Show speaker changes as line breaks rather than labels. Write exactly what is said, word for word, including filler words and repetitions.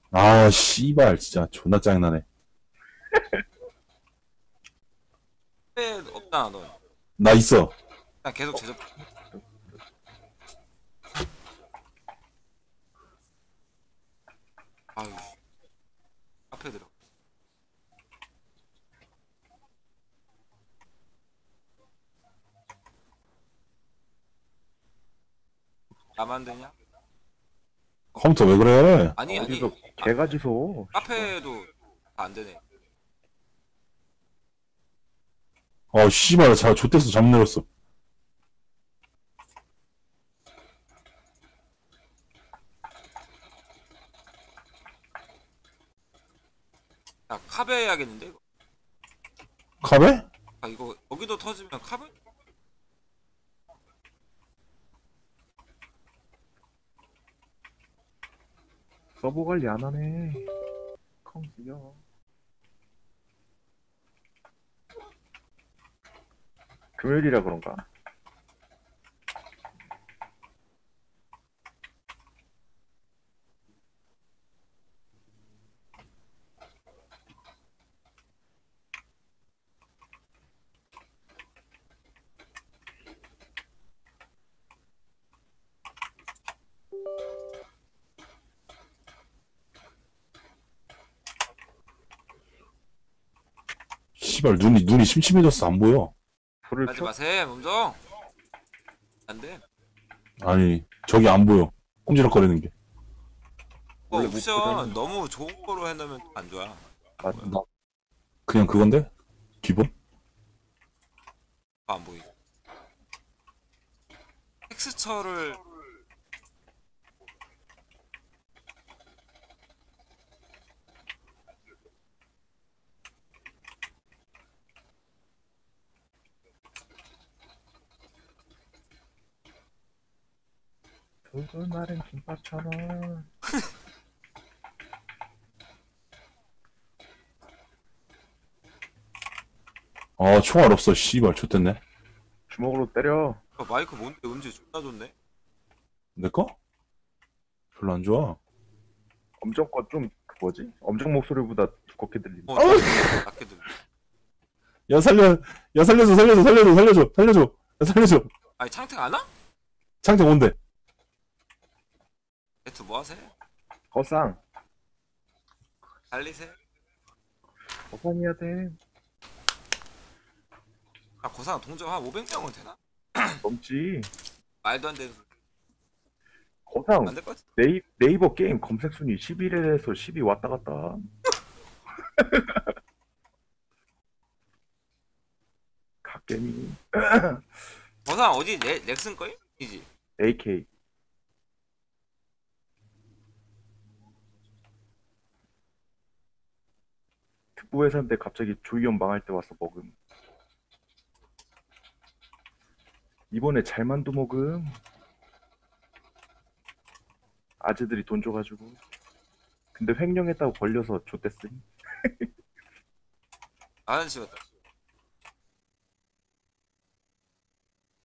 아, 씨발, 진짜 존나 짜증나네.
카페 없잖아 너.
나 있어.
그냥 계속 제접. 아유 카페 들어. 나만 되냐?
컴퓨터 왜 그래?
아니 아니.
어디서
아,
개가지소.
카페도 다 안 되네.
어, 씨발, 자, 좆됐어, 잠 내렸어.
야 카베 해야겠는데 이거.
카베?
아 이거 여기도 터지면 카베?
서버 관리 안 하네. 컴퓨터. 금요일이라 그런가?
씨발, 눈이, 눈이 심심해졌어, 안 보여.
불을
하지
켜?
마세요 몸정. 안 돼.
아니, 저기 안 보여. 꼼지락거리는 게.
어,
원래 못
옵션
보잖아.
너무 좋은 거로 해놓으면 안 좋아.
맞아.
나, 그냥 그건데? 기본?
안 보이고. 텍스처를
붉은 날엔 김밥처럼.
아, 총알 없어, 씨발, 좆됐네.
주먹으로 때려.
어, 마이크 뭔데 음질 존나 좋네.
내 거? 별로 안 좋아.
엄정 거좀 그 뭐지? 엄정 목소리보다 두껍게 들린다.
어, 좀 낮게 들려.
야, 살려, 야, 살려줘, 살려줘, 살려줘, 살려줘, 살려줘. 야, 살려줘.
아니 창택 안 와?
창태 뭔데?
배트 뭐 하세요?
거상.
달리세요?
거상해야 돼.
아 고상 동정 한 오백 명은 되나?
넘지.
말도 안 되는 소리.
거상.
안될 것 같아.
네이, 네이버 게임 검색 순위 십일에서 십이 왔다 갔다. 갓게임.
고상 어디 넥, 넥슨 거임? 이지.
에이케이. 특보회사인데 갑자기 조이연 망할 때 와서 먹음. 이번에 잘만두 먹음. 아재들이 돈 줘가지고. 근데 횡령했다고 걸려서 좆됐음.
아저씨 같다.